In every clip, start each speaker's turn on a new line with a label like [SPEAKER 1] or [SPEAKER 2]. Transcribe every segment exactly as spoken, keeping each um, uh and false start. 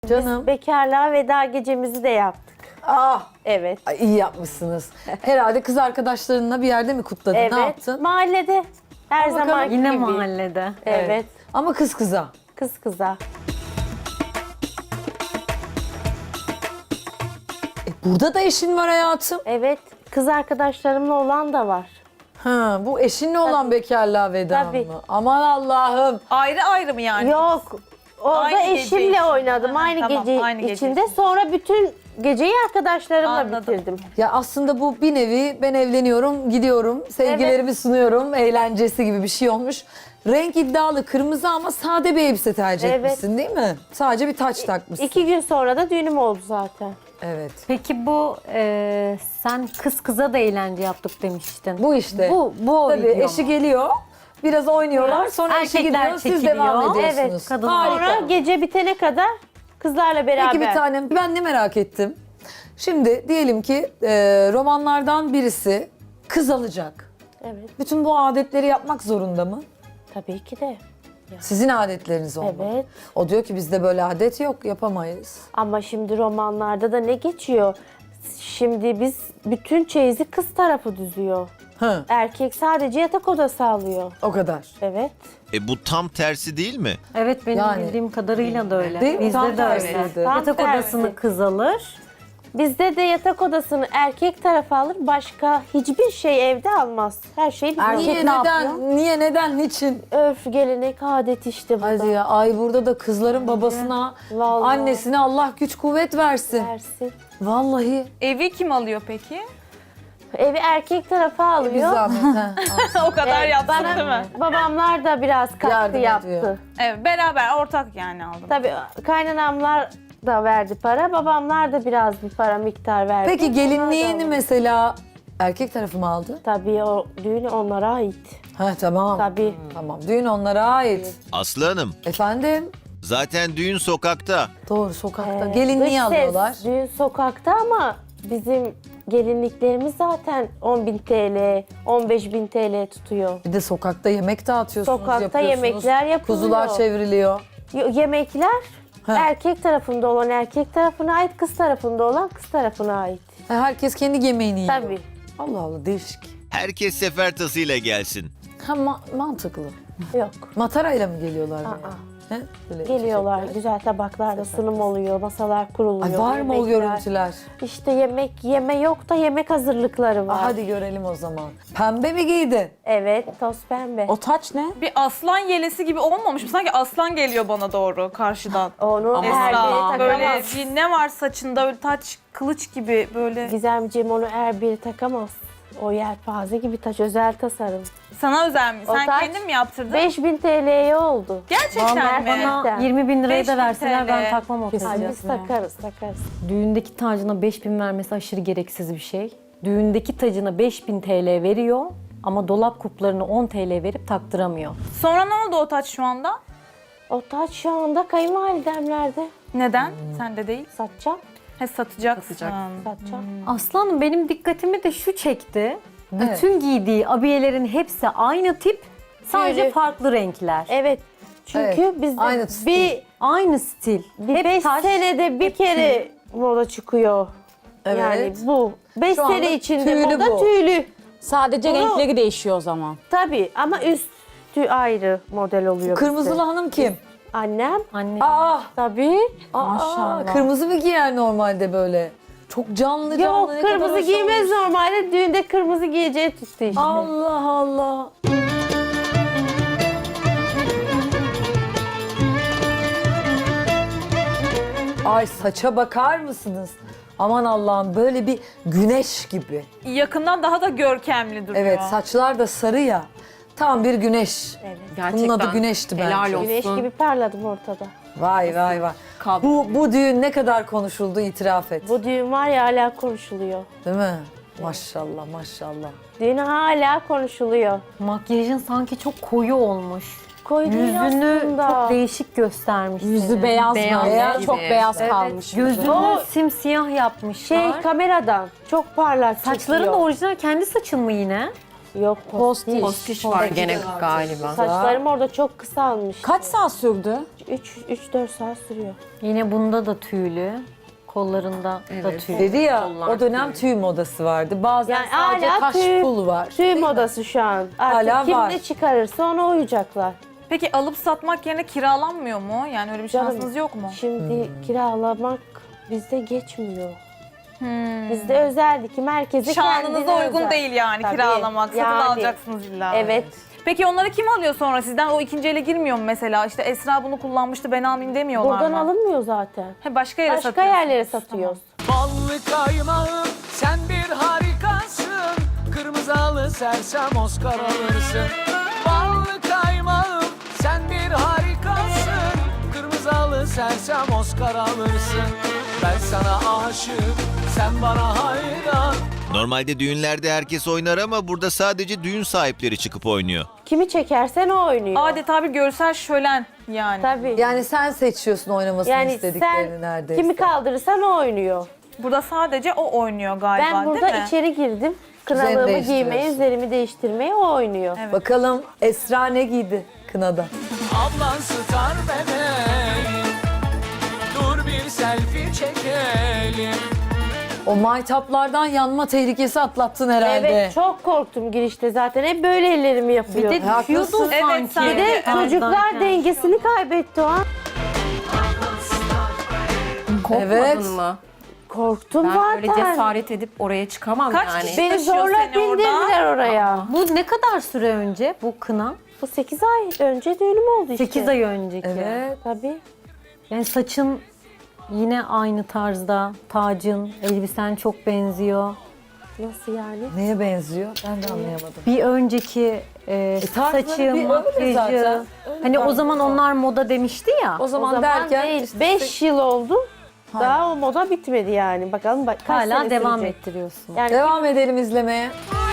[SPEAKER 1] Canım.
[SPEAKER 2] Biz bekarlığa veda gecemizi de yaptık.
[SPEAKER 1] Ah,
[SPEAKER 2] Evet.
[SPEAKER 1] ay, iyi yapmışsınız. Herhalde kız arkadaşlarınla bir yerde mi kutladın?
[SPEAKER 2] Evet.
[SPEAKER 1] Ne yaptın?
[SPEAKER 2] Mahallede. Her
[SPEAKER 1] Al bakalım.
[SPEAKER 2] zaman gibi.
[SPEAKER 3] Yine mahallede.
[SPEAKER 2] Evet.
[SPEAKER 1] Ama kız kıza.
[SPEAKER 2] Kız kıza.
[SPEAKER 1] E, burada da eşin var hayatım.
[SPEAKER 2] Evet. Kız arkadaşlarımla olan da var.
[SPEAKER 1] Ha, bu eşinle olan
[SPEAKER 2] Tabii.
[SPEAKER 1] bekarlığa veda
[SPEAKER 2] Tabii.
[SPEAKER 1] mı? Aman Allah'ım.
[SPEAKER 4] Ayrı ayrı mı yani?
[SPEAKER 2] Yok. Orada
[SPEAKER 4] Aynı gece
[SPEAKER 2] eşimle
[SPEAKER 4] için.
[SPEAKER 2] oynadım.
[SPEAKER 4] Aha,
[SPEAKER 2] aynı
[SPEAKER 4] tamam,
[SPEAKER 2] gece
[SPEAKER 4] aynı gece
[SPEAKER 2] içinde.
[SPEAKER 4] için.
[SPEAKER 2] Sonra bütün geceyi arkadaşlarımla
[SPEAKER 4] Anladım.
[SPEAKER 2] bitirdim.
[SPEAKER 1] Ya aslında bu bir nevi ben evleniyorum, gidiyorum, sevgilerimi sunuyorum, eğlencesi gibi bir şey olmuş. Renk iddialı, kırmızı ama sade bir elbise tercih
[SPEAKER 2] Evet.
[SPEAKER 1] etmişsin değil mi? Sadece bir taç takmışsın.
[SPEAKER 2] İki gün sonra da düğünüm oldu zaten.
[SPEAKER 1] Evet.
[SPEAKER 3] Peki bu e, sen kız kıza da eğlence yaptık demiştin.
[SPEAKER 1] Bu işte.
[SPEAKER 3] Bu, bu o
[SPEAKER 1] Tabii
[SPEAKER 3] video
[SPEAKER 1] eşi
[SPEAKER 3] mu?
[SPEAKER 1] geliyor, biraz oynuyorlar, sonra eşi
[SPEAKER 3] Erkekler
[SPEAKER 1] gidiyor, siz
[SPEAKER 3] çekiliyor.
[SPEAKER 1] devam ediyorsunuz.
[SPEAKER 3] Evet, kadın-
[SPEAKER 1] Harika.
[SPEAKER 2] Sonra gece bitene kadar kızlarla beraber.
[SPEAKER 1] Peki bir tanem, ben ne merak ettim. Şimdi diyelim ki e, romanlardan birisi kız alacak.
[SPEAKER 2] Evet.
[SPEAKER 1] Bütün bu adetleri yapmak zorunda mı?
[SPEAKER 2] Tabii ki de.
[SPEAKER 1] Sizin adetleriniz olmalı.
[SPEAKER 2] Evet.
[SPEAKER 1] O diyor ki bizde böyle adet yok, yapamayız.
[SPEAKER 2] Ama şimdi romanlarda da ne geçiyor? Şimdi biz bütün çeyizi kız tarafı düzüyor.
[SPEAKER 1] Hı,
[SPEAKER 2] Erkek sadece yatak odası alıyor.
[SPEAKER 1] o kadar.
[SPEAKER 2] Evet.
[SPEAKER 5] E bu tam tersi değil mi?
[SPEAKER 3] Evet benim
[SPEAKER 1] Yani-
[SPEAKER 3] bildiğim kadarıyla da öyle.
[SPEAKER 1] Değil mi?
[SPEAKER 3] Bizde
[SPEAKER 1] Tam
[SPEAKER 3] de öyle.
[SPEAKER 1] tersiydi.
[SPEAKER 2] Tam
[SPEAKER 3] Yatak
[SPEAKER 2] tersi.
[SPEAKER 3] odasını kız alır.
[SPEAKER 2] Bizde de yatak odasını erkek tarafı alır. Başka hiçbir şey evde almaz. Her şey bizim.
[SPEAKER 3] Erkek
[SPEAKER 1] Niye,
[SPEAKER 3] ne
[SPEAKER 1] neden,
[SPEAKER 3] yapıyor?
[SPEAKER 1] niye, neden, niçin?
[SPEAKER 2] Örf, gelenek, adet işte bu
[SPEAKER 1] Hadi
[SPEAKER 2] da.
[SPEAKER 1] ya, ay burada da kızların babasına,
[SPEAKER 2] Vallahi.
[SPEAKER 1] annesine Allah güç kuvvet versin.
[SPEAKER 2] Versin.
[SPEAKER 1] Vallahi.
[SPEAKER 4] Evi kim alıyor peki?
[SPEAKER 2] Evi erkek tarafı
[SPEAKER 1] Bir
[SPEAKER 2] alıyor.
[SPEAKER 1] zahmet. ha.
[SPEAKER 4] o kadar
[SPEAKER 2] Evet,
[SPEAKER 4] yapsın
[SPEAKER 2] bana-
[SPEAKER 4] değil mi?
[SPEAKER 2] Babamlar da biraz katkı
[SPEAKER 1] Yardım
[SPEAKER 2] yaptı.
[SPEAKER 1] ediyor.
[SPEAKER 4] Evet, beraber ortak yani aldım.
[SPEAKER 2] Tabii kaynanamlar da verdi para. Babamlar da biraz bir para miktar verdi.
[SPEAKER 1] Peki
[SPEAKER 2] Onlar da
[SPEAKER 1] gelinliğini
[SPEAKER 2] aldı.
[SPEAKER 1] mesela erkek tarafı mı aldı?
[SPEAKER 2] Tabii o düğün onlara ait.
[SPEAKER 1] Ha tamam.
[SPEAKER 2] Tabii.
[SPEAKER 1] Tamam, düğün onlara ait.
[SPEAKER 5] Aslı Hanım,
[SPEAKER 1] Efendim?
[SPEAKER 5] zaten düğün sokakta.
[SPEAKER 1] Doğru, sokakta.
[SPEAKER 2] Ee,
[SPEAKER 1] Gelinliği
[SPEAKER 2] dış ses,
[SPEAKER 1] alıyorlar.
[SPEAKER 2] Düğün sokakta ama bizim gelinliklerimiz zaten on bin T L, on beş bin T L tutuyor.
[SPEAKER 1] Bir de sokakta yemek dağıtıyorsunuz,
[SPEAKER 2] Sokakta
[SPEAKER 1] yapıyorsunuz.
[SPEAKER 2] yemekler yapılıyor.
[SPEAKER 1] Kuzular çevriliyor.
[SPEAKER 2] Y- Yemekler
[SPEAKER 1] Ha.
[SPEAKER 2] erkek tarafında olan erkek tarafına ait, kız tarafında olan kız tarafına ait.
[SPEAKER 1] Ha, herkes kendi yemeğini yiyor.
[SPEAKER 2] Tabii.
[SPEAKER 1] Allah Allah, değişik.
[SPEAKER 5] Herkes sefer tasıyla gelsin.
[SPEAKER 1] Ha ma- mantıklı.
[SPEAKER 2] Yok.
[SPEAKER 1] Matarayla mı geliyorlar?
[SPEAKER 2] Aa.
[SPEAKER 1] buraya? He? Böyle
[SPEAKER 2] Geliyorlar,
[SPEAKER 1] çiçekler.
[SPEAKER 2] güzel tabaklarda sunum oluyor, masalar kuruluyor.
[SPEAKER 1] Ay var mı o
[SPEAKER 2] yemekler.
[SPEAKER 1] görüntüler?
[SPEAKER 2] İşte yemek yeme yok da yemek hazırlıkları var.
[SPEAKER 1] Aa, hadi görelim o zaman. Pembe mi giydi?
[SPEAKER 2] Evet, toz pembe.
[SPEAKER 6] O taç ne?
[SPEAKER 4] Bir aslan yelesi gibi olmamış mı? Sanki aslan geliyor bana doğru karşıdan.
[SPEAKER 2] Onu
[SPEAKER 6] Aman
[SPEAKER 2] her biri
[SPEAKER 6] Allah'ım.
[SPEAKER 4] Böyle
[SPEAKER 2] takamaz.
[SPEAKER 4] bir ne var saçında öyle taç kılıç gibi böyle.
[SPEAKER 2] Gizemciğim onu her biri takamaz. O yelpaze gibi taş, özel tasarım.
[SPEAKER 4] Sana özel mi?
[SPEAKER 2] O
[SPEAKER 4] Sen
[SPEAKER 2] taç
[SPEAKER 4] kendin mi yaptırdın?
[SPEAKER 2] beş bin T L'ye oldu.
[SPEAKER 4] Gerçekten
[SPEAKER 2] Vallahi
[SPEAKER 4] mi?
[SPEAKER 2] bana-
[SPEAKER 3] Bana yirmi bin lirayı
[SPEAKER 4] beş
[SPEAKER 3] da
[SPEAKER 4] bin
[SPEAKER 3] verseler
[SPEAKER 4] T L.
[SPEAKER 3] ben takmam o
[SPEAKER 2] Ay,
[SPEAKER 3] tacı.
[SPEAKER 2] biz takarız, takarız.
[SPEAKER 3] Düğündeki tacına beş bin vermesi aşırı gereksiz bir şey. Düğündeki tacına beş bin T L veriyor ama dolap kuplarını on T L verip taktıramıyor.
[SPEAKER 4] Sonra ne oldu o taç şu anda?
[SPEAKER 2] O taç şu anda kayınvalidemlerde.
[SPEAKER 4] Neden? Sende değil.
[SPEAKER 2] Satacağım,
[SPEAKER 4] He satacaksın.
[SPEAKER 2] satacağım.
[SPEAKER 3] Aslanım benim dikkatimi de şu çekti. Bütün giydiği abiyelerin hepsi aynı tip, sadece
[SPEAKER 2] Tüylü.
[SPEAKER 3] farklı renkler.
[SPEAKER 2] Evet, çünkü
[SPEAKER 1] Evet,
[SPEAKER 2] bizde
[SPEAKER 1] aynı stil.
[SPEAKER 2] bir,
[SPEAKER 3] Aynı stil.
[SPEAKER 2] bir
[SPEAKER 3] Hep
[SPEAKER 2] beş
[SPEAKER 3] taş,
[SPEAKER 2] senede bir
[SPEAKER 3] hep
[SPEAKER 2] kere moda çıkıyor.
[SPEAKER 1] Evet.
[SPEAKER 2] Yani bu. Beş
[SPEAKER 1] Şu anda
[SPEAKER 2] sene içinde
[SPEAKER 1] tüylü
[SPEAKER 2] moda
[SPEAKER 1] bu.
[SPEAKER 2] tüylü.
[SPEAKER 6] Sadece
[SPEAKER 2] Bunu-
[SPEAKER 6] renkleri değişiyor o zaman.
[SPEAKER 2] Tabii ama üstü ayrı model oluyor
[SPEAKER 1] Kırmızılı
[SPEAKER 2] bizde.
[SPEAKER 1] hanım kim?
[SPEAKER 2] Annem
[SPEAKER 3] Anne.
[SPEAKER 1] Aa,
[SPEAKER 2] tabii.
[SPEAKER 1] aa,
[SPEAKER 6] Maşallah.
[SPEAKER 1] kırmızı mı giyer normalde böyle? Çok canlı canlı.
[SPEAKER 2] Yok,
[SPEAKER 1] ne kadar
[SPEAKER 2] kırmızı
[SPEAKER 1] hoş
[SPEAKER 2] giymez
[SPEAKER 1] olmuş.
[SPEAKER 2] normalde. Düğünde kırmızı giyeceği tuttu işte.
[SPEAKER 1] Allah Allah. Ay saça bakar mısınız? Aman Allah'ım, böyle bir güneş gibi.
[SPEAKER 4] Yakından daha da görkemli duruyor.
[SPEAKER 1] Evet, saçlar da sarı ya. Tam bir güneş.
[SPEAKER 2] Evet.
[SPEAKER 1] Bunun adı güneşti bence.
[SPEAKER 2] Güneş gibi parladım ortada.
[SPEAKER 1] Vay vay vay. Bu, bu düğün ne kadar konuşuldu, itiraf et.
[SPEAKER 2] Bu düğün var ya hala konuşuluyor.
[SPEAKER 1] Değil mi? Maşallah maşallah.
[SPEAKER 2] Düğün hala konuşuluyor.
[SPEAKER 3] Makyajın sanki çok koyu olmuş.
[SPEAKER 2] Koyu değil
[SPEAKER 3] Yüzünü
[SPEAKER 2] aslında.
[SPEAKER 3] çok değişik göstermiş.
[SPEAKER 6] Yüzü
[SPEAKER 3] senin.
[SPEAKER 6] beyaz,
[SPEAKER 1] Beyaz
[SPEAKER 6] böyle.
[SPEAKER 1] gibi.
[SPEAKER 6] Çok beyaz
[SPEAKER 2] Evet.
[SPEAKER 6] kalmış.
[SPEAKER 3] Gözünü
[SPEAKER 2] O-
[SPEAKER 3] simsiyah yapmışlar.
[SPEAKER 2] Şey kameradan çok parlak
[SPEAKER 3] Saçların da
[SPEAKER 2] çekiyor.
[SPEAKER 3] orijinal kendi saçın mı yine?
[SPEAKER 2] Yok, postiş.
[SPEAKER 7] Postiş var gene galiba.
[SPEAKER 2] Saçlarım orada çok kısalmış.
[SPEAKER 6] Kaç saat sürdü?
[SPEAKER 2] üç dört saat sürüyor.
[SPEAKER 3] Yine bunda da tüylü. Kollarında da
[SPEAKER 6] Evet.
[SPEAKER 3] tüy.
[SPEAKER 1] Dedi ya
[SPEAKER 6] Kollar
[SPEAKER 1] o dönem tüy modası vardı. Bazen
[SPEAKER 2] Yani
[SPEAKER 1] sadece
[SPEAKER 2] hala
[SPEAKER 1] kaş
[SPEAKER 2] tüy-
[SPEAKER 1] pul var.
[SPEAKER 2] Tüy
[SPEAKER 1] Değil mi?
[SPEAKER 2] modası şu an. Artık
[SPEAKER 1] Hala
[SPEAKER 2] kim
[SPEAKER 1] var.
[SPEAKER 2] ne çıkarırsa ona uyacaklar.
[SPEAKER 4] Peki alıp satmak yerine kiralanmıyor mu? Yani öyle bir
[SPEAKER 2] Canım,
[SPEAKER 4] şansınız yok mu?
[SPEAKER 2] Şimdi
[SPEAKER 1] Hmm.
[SPEAKER 2] kiralamak bizde geçmiyor. Bizde özel dikim, herkese
[SPEAKER 4] Şanınıza
[SPEAKER 2] kendine
[SPEAKER 4] uygun
[SPEAKER 2] özel.
[SPEAKER 4] değil yani
[SPEAKER 2] Tabii,
[SPEAKER 4] kiralamak. Satın
[SPEAKER 2] yani.
[SPEAKER 4] alacaksınız illa.
[SPEAKER 2] Evet.
[SPEAKER 4] Peki onları kim alıyor sonra sizden? O ikinci ele girmiyor mu mesela? İşte Esra bunu kullanmıştı ben almayayım demiyorlar
[SPEAKER 2] Buradan
[SPEAKER 4] mı?
[SPEAKER 2] alınmıyor zaten.
[SPEAKER 4] He, başka yere
[SPEAKER 2] Başka
[SPEAKER 4] satıyorsunuz.
[SPEAKER 2] yerlere satıyoruz.
[SPEAKER 7] Ballı kaymağım sen bir harikasın. Kırmızı halı sersem Oscar alırsın. Ballı kaymağım sen bir harikasın. Kırmızı halı sersem Oscar alırsın. Ben sana aşık, sen bana hayran.
[SPEAKER 5] Normalde düğünlerde herkes oynar ama burada sadece düğün sahipleri çıkıp oynuyor.
[SPEAKER 2] Kimi çekersen o oynuyor.
[SPEAKER 4] Adeta bir görsel şölen yani.
[SPEAKER 2] Tabii.
[SPEAKER 1] Yani sen seçiyorsun oynamasını
[SPEAKER 2] Yani
[SPEAKER 1] istediklerini
[SPEAKER 2] sen
[SPEAKER 1] neredeyse.
[SPEAKER 2] kimi kaldırırsan o oynuyor.
[SPEAKER 4] Burada sadece o oynuyor galiba
[SPEAKER 2] Ben burada
[SPEAKER 4] değil mi?
[SPEAKER 2] içeri girdim. Kınalığımı
[SPEAKER 1] değiştiriyorsun.
[SPEAKER 2] giymeye, üzerimi değiştirmeye o oynuyor.
[SPEAKER 4] Evet.
[SPEAKER 1] Bakalım Esra ne giydi kınada?
[SPEAKER 7] Ablan star bebeğim. Dur bir selfie çekelim.
[SPEAKER 1] O maytaplardan yanma tehlikesi atlattın herhalde.
[SPEAKER 2] Evet, çok korktum girişte zaten. Hep böyle ellerimi yapıyor.
[SPEAKER 3] Bir de
[SPEAKER 1] Haklısın.
[SPEAKER 3] düşüyordun
[SPEAKER 4] Evet,
[SPEAKER 3] sanki.
[SPEAKER 4] sanki.
[SPEAKER 2] Bir de
[SPEAKER 4] Evet.
[SPEAKER 2] çocuklar
[SPEAKER 3] Aynen.
[SPEAKER 2] dengesini kaybetti o an.
[SPEAKER 6] Korkmadın
[SPEAKER 1] Evet.
[SPEAKER 6] mı?
[SPEAKER 2] Korktum
[SPEAKER 6] Ben
[SPEAKER 2] zaten.
[SPEAKER 6] öyle cesaret edip oraya çıkamam
[SPEAKER 4] Kaç
[SPEAKER 6] yani.
[SPEAKER 4] kişi-
[SPEAKER 2] Beni
[SPEAKER 4] taşıyor
[SPEAKER 2] zorla
[SPEAKER 4] seni orada.
[SPEAKER 2] bindirdiler oraya.
[SPEAKER 3] Bu ne kadar süre önce bu kına?
[SPEAKER 2] Bu sekiz ay önce düğünüm oldu işte.
[SPEAKER 3] sekiz ay önceki.
[SPEAKER 1] Evet.
[SPEAKER 2] Tabii.
[SPEAKER 3] Yani saçın yine aynı tarzda, tacın, elbisen çok benziyor.
[SPEAKER 2] Nasıl yani?
[SPEAKER 1] Neye benziyor? Ben de anlayamadım.
[SPEAKER 3] Bir önceki e,
[SPEAKER 1] tarzları bir
[SPEAKER 3] saçı,
[SPEAKER 1] öyle
[SPEAKER 3] makyajı.
[SPEAKER 1] zaten. Öyle
[SPEAKER 3] Hani o
[SPEAKER 1] tarzı
[SPEAKER 3] zaman
[SPEAKER 1] zaten.
[SPEAKER 3] onlar moda demişti ya.
[SPEAKER 1] O
[SPEAKER 2] O
[SPEAKER 1] zaman,
[SPEAKER 2] zaman
[SPEAKER 1] derken
[SPEAKER 2] değil.
[SPEAKER 1] işte
[SPEAKER 2] beş yıl oldu. Daha o moda bitmedi yani. Bakalım bak, kaç
[SPEAKER 3] Hala
[SPEAKER 2] sene
[SPEAKER 3] devam
[SPEAKER 2] sürecek.
[SPEAKER 3] ettiriyorsun.
[SPEAKER 2] Yani
[SPEAKER 1] devam edelim izlemeye.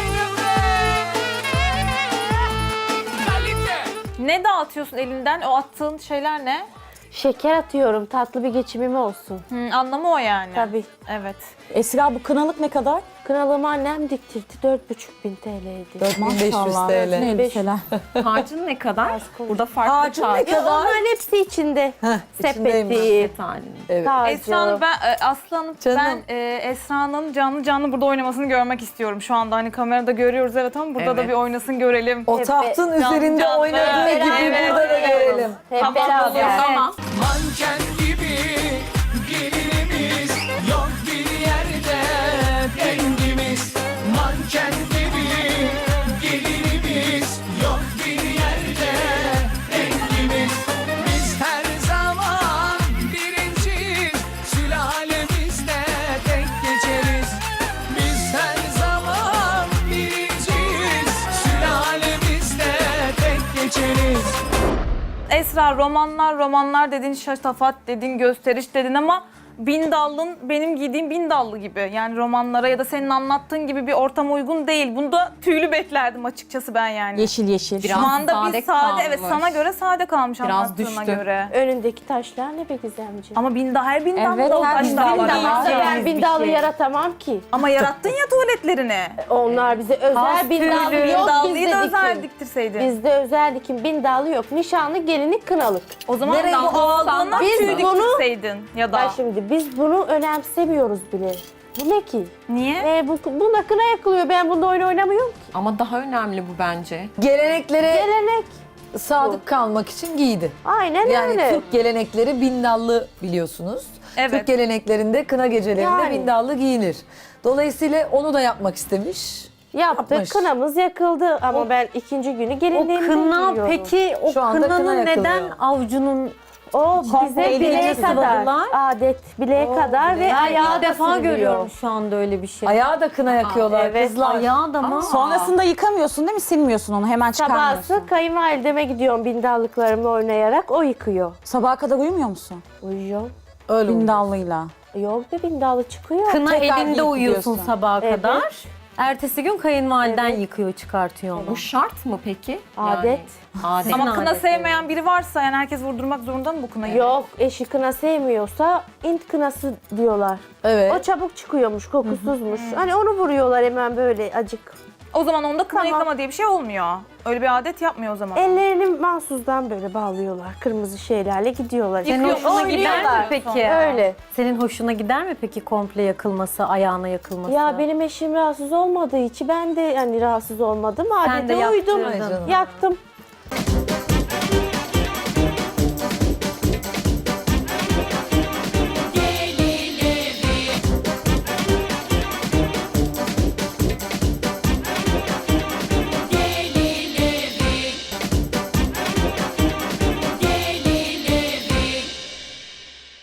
[SPEAKER 4] Ne dağıtıyorsun elinden? O attığın şeyler ne?
[SPEAKER 2] şeker atıyorum. Tatlı bir geçimim olsun.
[SPEAKER 4] Hı, anlamı o yani.
[SPEAKER 2] Tabii.
[SPEAKER 4] Evet.
[SPEAKER 8] Esra bu kınalık ne kadar?
[SPEAKER 2] Kınalığımı annem diktirdi. dört buçuk bin T L'ydi.
[SPEAKER 1] dört bin beş yüz
[SPEAKER 8] Maşallah.
[SPEAKER 1] T L.
[SPEAKER 8] Ne elbiseler.
[SPEAKER 6] Harcın ne kadar? Burada farklı
[SPEAKER 1] Harcın ne
[SPEAKER 6] tarz.
[SPEAKER 1] kadar?
[SPEAKER 2] Onların hepsi içinde.
[SPEAKER 1] Heh, içindeymiş.
[SPEAKER 2] Sepeti,
[SPEAKER 6] halinde.
[SPEAKER 1] Evet.
[SPEAKER 2] tacı.
[SPEAKER 4] Esra Hanım ben e, Aslı Hanım,
[SPEAKER 1] Canım.
[SPEAKER 4] ben e, Esra'nın canlı canlı burada oynamasını görmek istiyorum şu anda. Hani kamerada görüyoruz evet ama burada da
[SPEAKER 6] Evet.
[SPEAKER 4] bir oynasın görelim.
[SPEAKER 1] O tahtın
[SPEAKER 4] Canlı
[SPEAKER 1] üzerinde
[SPEAKER 4] canlı.
[SPEAKER 1] oynadığı
[SPEAKER 4] Evet,
[SPEAKER 1] gibi
[SPEAKER 4] evet,
[SPEAKER 1] burada da
[SPEAKER 4] evet.
[SPEAKER 1] görelim.
[SPEAKER 2] Hep
[SPEAKER 4] Tamam,
[SPEAKER 2] beraber.
[SPEAKER 4] oluyor, tamam.
[SPEAKER 7] Manken gibi gelinimiz yok bir yerde dengimiz. Manken gibi gelinimiz yok bir yerde dengimiz. Biz her zaman birinciyiz, sülalemizde tek geçeriz. Biz her zaman birinciyiz, sülalemizde tek geçeriz.
[SPEAKER 4] Esra romanlar romanlar dedin, şatafat dedin, gösteriş dedin ama bin dallın benim giydiğim bin dallı gibi. Yani romanlara ya da senin anlattığın gibi bir ortama uygun değil. Bunda tüylü beklerdim açıkçası ben yani.
[SPEAKER 8] Yeşil yeşil.
[SPEAKER 6] Biraz
[SPEAKER 4] Şu anda
[SPEAKER 6] sade
[SPEAKER 4] bir sade, evet
[SPEAKER 6] kalmış.
[SPEAKER 4] sana göre sade kalmış
[SPEAKER 6] Biraz
[SPEAKER 4] anlattığına
[SPEAKER 6] düştü.
[SPEAKER 4] göre.
[SPEAKER 2] Önündeki taşlar ne be Gizemciğim?
[SPEAKER 4] Ama bin daha her bin dallı
[SPEAKER 8] Evet,
[SPEAKER 4] da o
[SPEAKER 8] her
[SPEAKER 4] taşlar
[SPEAKER 8] bin
[SPEAKER 4] var.
[SPEAKER 8] dallı
[SPEAKER 4] ama.
[SPEAKER 8] var.
[SPEAKER 2] ben
[SPEAKER 3] Yalnız bir
[SPEAKER 2] bindallı
[SPEAKER 3] şey.
[SPEAKER 2] yaratamam ki.
[SPEAKER 4] Ama yarattın ya tuvaletlerini.
[SPEAKER 2] Onlar bize özel bindallı
[SPEAKER 4] Bin
[SPEAKER 2] yok.
[SPEAKER 4] dallıyı
[SPEAKER 2] Bizde
[SPEAKER 4] da özel
[SPEAKER 2] dikim.
[SPEAKER 4] diktirseydin.
[SPEAKER 2] Bizde özel dikim bindallı yok. Nişanlı gelinlik kınalık.
[SPEAKER 4] O zaman
[SPEAKER 1] Nereye
[SPEAKER 4] bu
[SPEAKER 1] bu
[SPEAKER 4] aldığından
[SPEAKER 2] Biz
[SPEAKER 4] tüy
[SPEAKER 2] bunu-
[SPEAKER 4] diktirseydin ya da.
[SPEAKER 2] Ben şimdi biz bunu önemsemiyoruz bile. Bu ne ki?
[SPEAKER 4] Niye?
[SPEAKER 2] E, bu, bunda kına yakılıyor. Ben bunda oyun oynamıyorum ki.
[SPEAKER 6] Ama daha önemli bu bence.
[SPEAKER 1] Geleneklere
[SPEAKER 2] Gelenek.
[SPEAKER 1] sadık kalmak için giydi.
[SPEAKER 2] Aynen
[SPEAKER 1] Yani
[SPEAKER 2] öyle.
[SPEAKER 1] Türk gelenekleri bindallı biliyorsunuz.
[SPEAKER 4] Evet.
[SPEAKER 1] Türk geleneklerinde kına gecelerinde
[SPEAKER 2] Yani.
[SPEAKER 1] bindallı giyinir. Dolayısıyla onu da yapmak istemiş.
[SPEAKER 2] Yaptık.
[SPEAKER 1] Yapmış.
[SPEAKER 2] Kınamız yakıldı ama ben ikinci günü
[SPEAKER 3] O
[SPEAKER 2] gelinliğimde
[SPEAKER 3] kına
[SPEAKER 2] giyiyorum.
[SPEAKER 3] peki o
[SPEAKER 1] Şu anda kına
[SPEAKER 3] kınanın
[SPEAKER 1] yakılıyor.
[SPEAKER 3] neden avcunun
[SPEAKER 2] O bize
[SPEAKER 3] Komple
[SPEAKER 2] bileğe
[SPEAKER 3] iğnesi
[SPEAKER 2] kadar.
[SPEAKER 3] sıvadılar.
[SPEAKER 2] Adet bileğe kadar ve
[SPEAKER 1] bileğe.
[SPEAKER 2] ayağa
[SPEAKER 3] ilk
[SPEAKER 2] da
[SPEAKER 3] defa
[SPEAKER 2] sürülüyor.
[SPEAKER 3] görüyorum şu anda öyle bir şey.
[SPEAKER 1] Ayağa da kına yakıyorlar
[SPEAKER 2] evet.
[SPEAKER 1] kızlar.
[SPEAKER 3] Ayağı da mı?
[SPEAKER 8] Sonrasında yıkamıyorsun değil mi? Silmiyorsun onu. Hemen çıkarmıyorsun.
[SPEAKER 2] Sabahsı kayınvalideme gidiyorum bindallıklarımla oynayarak. O yıkıyor.
[SPEAKER 8] Sabaha kadar uyumuyor musun?
[SPEAKER 2] Uyuyor.
[SPEAKER 1] Öyle oluyor.
[SPEAKER 8] Bindallıyla.
[SPEAKER 2] Yok be bindallı çıkıyor.
[SPEAKER 3] Kına
[SPEAKER 8] Tekrar
[SPEAKER 3] elinde
[SPEAKER 8] giyip
[SPEAKER 3] uyuyorsun
[SPEAKER 8] gidiyorsun.
[SPEAKER 3] sabaha
[SPEAKER 2] Evet.
[SPEAKER 3] kadar. Ertesi gün kayınvaliden
[SPEAKER 2] Evet.
[SPEAKER 3] yıkıyor, çıkartıyor onu.
[SPEAKER 6] Bu şart mı peki?
[SPEAKER 2] Adet.
[SPEAKER 6] Yani, adet.
[SPEAKER 4] Ama
[SPEAKER 3] Senin
[SPEAKER 4] kına
[SPEAKER 3] adeti.
[SPEAKER 4] sevmeyen biri varsa yani herkes vurdurmak zorunda mı bu kınayı?
[SPEAKER 2] Yok eşi kına sevmiyorsa int kınası diyorlar.
[SPEAKER 1] Evet.
[SPEAKER 2] O çabuk çıkıyormuş, kokusuzmuş. Hani onu vuruyorlar hemen böyle acık.
[SPEAKER 4] O zaman onda kına
[SPEAKER 2] Tamam.
[SPEAKER 4] yıkama diye bir şey olmuyor. Öyle bir adet yapmıyor o zaman.
[SPEAKER 2] Ellerini mahsusdan böyle bağlıyorlar. Kırmızı şeylerle gidiyorlar.
[SPEAKER 3] Senin
[SPEAKER 4] Yıkıyor,
[SPEAKER 3] hoşuna gider mi
[SPEAKER 2] oynuyorlar.
[SPEAKER 3] peki?
[SPEAKER 2] Öyle.
[SPEAKER 3] Senin hoşuna gider mi peki komple yakılması, ayağına yakılması?
[SPEAKER 2] Ya benim eşim rahatsız olmadığı için ben de yani rahatsız olmadım.
[SPEAKER 3] Sen de
[SPEAKER 2] Adete uydum.
[SPEAKER 3] yaptırdın.
[SPEAKER 2] Yaktım.